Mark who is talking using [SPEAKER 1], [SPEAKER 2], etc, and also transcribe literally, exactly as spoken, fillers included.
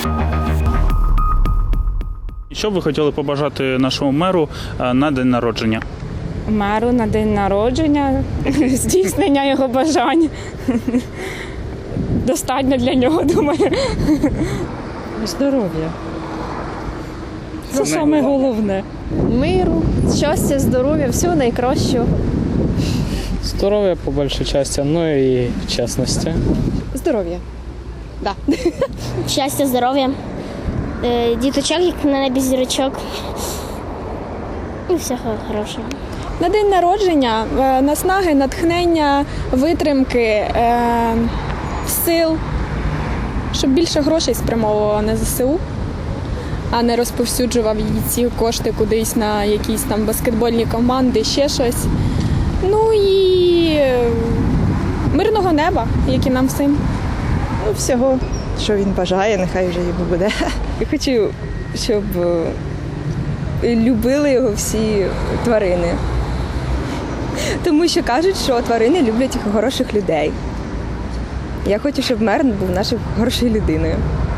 [SPEAKER 1] Що б ви хотіли побажати нашому меру е, на день народження?
[SPEAKER 2] Меру на день народження, здійснення його бажань. Достатньо для нього, думаю.
[SPEAKER 3] Здоров'я. Це
[SPEAKER 1] Це
[SPEAKER 3] саме головне.
[SPEAKER 4] Миру, щастя, здоров'я, всього найкращого.
[SPEAKER 5] Здоров'я по большей части, ну и честности.
[SPEAKER 4] Здоров'я. Да.
[SPEAKER 6] Щастя, здоров'я, е, діточок, як на небі зірочок. І всього хорошого.
[SPEAKER 7] На день народження е, наснаги, натхнення, витримки, е, сил, щоб більше грошей спрямовувало на зе се у, а не розповсюджував її ці кошти кудись на якісь там баскетбольні команди, ще щось. Ну і е, мирного неба, як і нам всім.
[SPEAKER 8] Ну, всього, що він бажає, нехай вже йому буде.
[SPEAKER 9] Я хочу, щоб е, любили його всі тварини. Тому що кажуть, що тварини люблять хороших людей. Я хочу, щоб мер був нашою хорошою людиною.